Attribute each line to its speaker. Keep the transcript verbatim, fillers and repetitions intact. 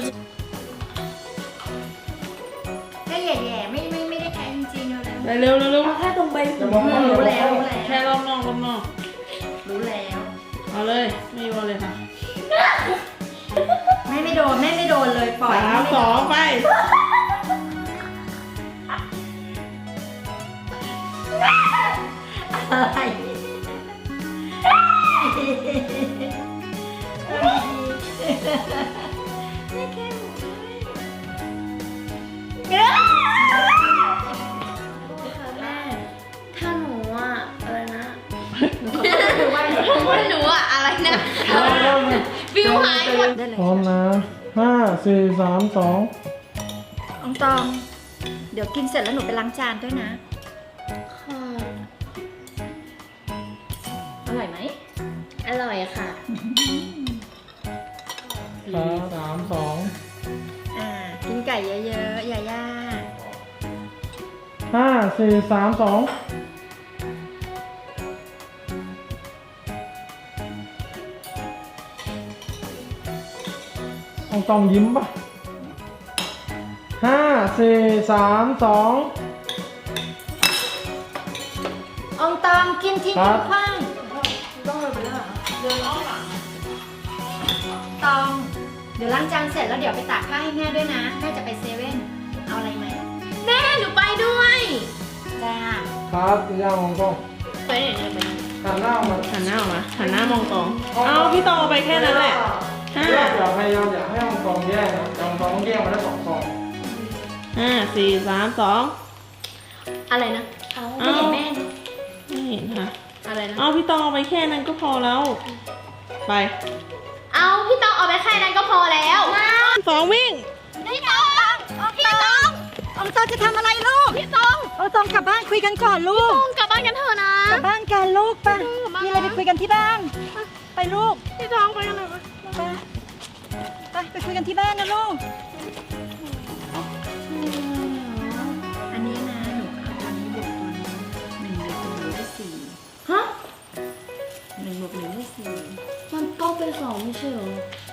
Speaker 1: แค่แย่ๆไม่ไม่ไม่ได้แค่จริงๆเลย
Speaker 2: ไปเร็วเร็วเร็ว
Speaker 1: เอาแค่ตรงใบหู
Speaker 3: รู้
Speaker 1: รู้
Speaker 3: แล้
Speaker 1: แล้ว วรู้แล้ว
Speaker 2: แค่รอบนอกรอบนอก
Speaker 1: รู้แล้ว
Speaker 2: เอาเลยไม่โยนเลยค่ะ
Speaker 1: ไม่ไม่โดนแม่ไม่โดนเลยปล่อย
Speaker 2: สามสองไป
Speaker 1: อะไรไม่แค่หมูเอ้ย
Speaker 3: แม่ถ้าหนูอ่ะอะไรนะ
Speaker 1: ว่า
Speaker 3: หนูอ่ะอะไรนะวิวหายหมด
Speaker 1: ได้เลย
Speaker 4: พร้อมนะห้าสี่สามสอง
Speaker 1: อองตอง เดี๋ยวกินเสร็จแล้วหนูไปล้างจานด้วยนะ
Speaker 3: ค่ะ
Speaker 1: อร่อยไหม
Speaker 3: อร่อยค่ะ
Speaker 4: ห้าสามสอง
Speaker 1: อ่า กินไก่เยอะๆ อย่าย่า
Speaker 4: ห้าสี่สามสองต้องต้องยิ้มป่ะห้าสี่สามสอง
Speaker 1: อองตองกินทิ้ง
Speaker 4: ครั
Speaker 1: กิ
Speaker 4: บ
Speaker 1: นขว้างต้องเลยไปแล้วเหรอเดินอ้อมหลังตอง เดี๋ยวล้างจานเสร็จแล้วเดี๋ยวไปตากผ้าให้แม่ด้วยนะ แม่จะไปเซเว่น เอาอะไรไหม
Speaker 3: แม่หนูไปด้วย
Speaker 1: จ้า
Speaker 4: ครับย่างของกล้อง
Speaker 3: ไปไหนเนี่ยไป
Speaker 4: หันหน้ามา
Speaker 2: หันหน้าออกมาหันหน้ามองตองเอาพี่ตองเอาไปแค่นั้นแหละห้า
Speaker 4: อย่าพยายามอย่าให้ของกล้องแย่งนะของกล้องแย่งมาได้สองซอง
Speaker 2: ห้าสี่สามสอง
Speaker 3: อะไรนะเอา
Speaker 2: เอา
Speaker 3: ไม่เห็นแม่นะ
Speaker 2: ไม่เห็นค่ะ
Speaker 3: อะไรนะ
Speaker 2: เอาพี่ตองเอาไปแค่นั้นก็พอแล้ว ไป
Speaker 3: เอาพี่ตองเอาไปแค่นั้นก็พอแล้ว
Speaker 2: สองวิ่ง
Speaker 3: พี่ตองพี่ตอง
Speaker 1: อองตองจะทำอะไรลูก
Speaker 3: พี่ตอง
Speaker 1: อองตองกลับบ้านคุยกันก่อนลูก
Speaker 3: ตองกลับบ้านกันเถอะนะ
Speaker 1: กลับบ้านกันลูกไป
Speaker 3: กลับบ้าน
Speaker 1: มีอะไรไปคุยกันที่บ้าน ไปลูก
Speaker 3: พี่ตองไปกันเลย
Speaker 1: ไปไปไปคุยกันที่บ้านนะลูก อันนี้นะหนูเอาตัวนี้บวกตัวนี้หนึ่งบวกตัวนี้ได้สี่
Speaker 3: ฮะ
Speaker 1: หนึ่งบวกหนึ่งได้สี่
Speaker 3: มันต้องเป็นสองไม่ใช่เหรอ
Speaker 1: ใ